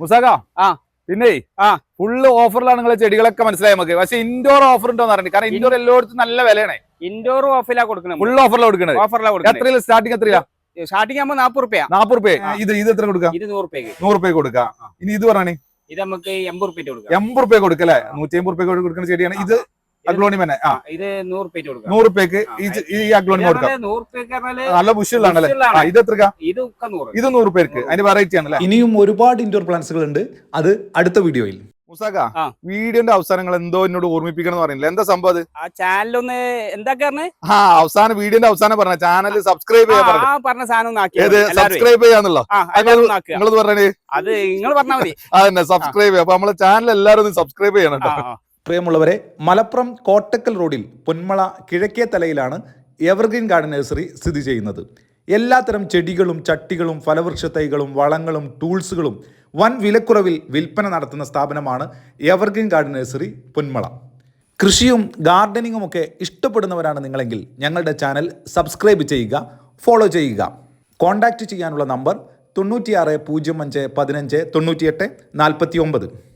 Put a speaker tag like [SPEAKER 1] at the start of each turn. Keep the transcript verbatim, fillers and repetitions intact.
[SPEAKER 1] മുസാക
[SPEAKER 2] ആ
[SPEAKER 1] പിന്നെ
[SPEAKER 2] ആ
[SPEAKER 1] ഫുള്ള് ഓഫറിലാണ് നിങ്ങളെ ചെടികളൊക്കെ മനസ്സിലായി നമുക്ക്. പക്ഷെ ഇൻഡോർ ഓഫർ ഉണ്ടോ എന്ന് അറിയണ്ട. കാരണം ഇൻഡോർ എല്ലായിടത്തും നല്ല വിലയാണ്.
[SPEAKER 2] ഇൻഡോർ ഓഫിലാ കൊടുക്കണം.
[SPEAKER 1] ഫുൾ ഓഫറിലാണ് കൊടുക്കുന്നത്.
[SPEAKER 2] ഓഫറിലാ കൊടുക്കുന്നത്.
[SPEAKER 1] എത്രയില്ല സ്റ്റാർട്ടിങ്? എത്രയാ
[SPEAKER 2] സ്റ്റാർട്ടിംഗ് ആകുമ്പോൾ നാപ്പത് റുപ്യ.
[SPEAKER 1] നാപ്പത് റുപ്യ. ഇത് ഇത് എത്ര കൊടുക്കാം?
[SPEAKER 2] ഇത് നൂറ് റുപ്യക്ക്.
[SPEAKER 1] നൂറ് റുപ്യ കൊടുക്കാം. ഇനി ഇത് പറഞ്ഞേ,
[SPEAKER 2] ഇത് നമുക്ക് എൺപത് റുപ്യ കൊടുക്കാം.
[SPEAKER 1] എൺപത് റുപ്യ കൊടുക്കല്ലേ? നൂറ്റി അമ്പത് റുപ്യ കൊടുക്കുന്ന ചെടിയാണ് ഇത്. അഗ്ലോണിയം തന്നെ
[SPEAKER 2] ഇത് നൂറ് റുപ്യ കൊടുക്കാം.
[SPEAKER 1] നൂറ് റുപ്യക്ക് ഈ അഗ്ലോണിയം കൊടുക്കാം.
[SPEAKER 2] നൂറ് റുപ്യക്ക്
[SPEAKER 1] നല്ല ബുഷിലാണല്ലേ? ഇത് എത്ര? ഇത് നൂറ് റുപ്യക്ക്. അതിന്റെ വെറൈറ്റി ആണല്ലേ?
[SPEAKER 3] ഇനിയും ഒരുപാട് ഇൻഡോർ പ്ലാന്റ്സുകൾ ഉണ്ട്. അത് അടുത്ത വീഡിയോയിൽ.
[SPEAKER 1] മുസാക, വീഡിയോന്റെ അവസാനങ്ങൾ എന്തോ എന്നോട് ഓർമ്മിപ്പിക്കണം എന്ന് പറയുന്നില്ല. എന്താ സംഭവം?
[SPEAKER 2] ആ ചാനലൊന്ന് എന്താ
[SPEAKER 1] ആ അവസാനം വീഡിയോന്റെ അവസാനം പറഞ്ഞ ചാനൽ സബ്സ്ക്രൈബ് ചെയ്യാൻ
[SPEAKER 2] പറഞ്ഞ സാധനം
[SPEAKER 1] സബ്സ്ക്രൈബ് ചെയ്യാന്നുള്ളോ? നിങ്ങളത് പറഞ്ഞേ.
[SPEAKER 2] അത് നിങ്ങൾ പറഞ്ഞാൽ മതി.
[SPEAKER 1] അതന്നെ സബ്സ്ക്രൈബ് ചെയ്യാം. അപ്പൊ നമ്മളെ ചാനൽ എല്ലാവരും ഒന്ന് സബ്സ്ക്രൈബ് ചെയ്യണം കേട്ടോ.
[SPEAKER 3] പ്രിയമുള്ളവരെ, മലപ്പുറം കോട്ടക്കൽ റോഡിൽ പൊന്മള കിഴക്കേ തലയിലാണ് എവർഗ്രീൻ ഗാർഡൻ നഴ്സറി സ്ഥിതി ചെയ്യുന്നത്. എല്ലാത്തരം ചെടികളും ചട്ടികളും ഫലവൃക്ഷ തൈകളും വളങ്ങളും ടൂൾസുകളും വൻ വിലക്കുറവിൽ വിൽപ്പന നടത്തുന്ന സ്ഥാപനമാണ് എവർഗ്രീൻ ഗാർഡൻ നഴ്സറി പൊന്മള. കൃഷിയും ഗാർഡനിങ്ങും ഒക്കെ ഇഷ്ടപ്പെടുന്നവരാണ് നിങ്ങളെങ്കിൽ ഞങ്ങളുടെ ചാനൽ സബ്സ്ക്രൈബ് ചെയ്യുക, ഫോളോ ചെയ്യുക. കോൺടാക്റ്റ് ചെയ്യാനുള്ള നമ്പർ തൊണ്ണൂറ്റിയാറ് പൂജ്യം അഞ്ച് പതിനഞ്ച് തൊണ്ണൂറ്റിയെട്ട് നാൽപ്പത്തി ഒമ്പത്.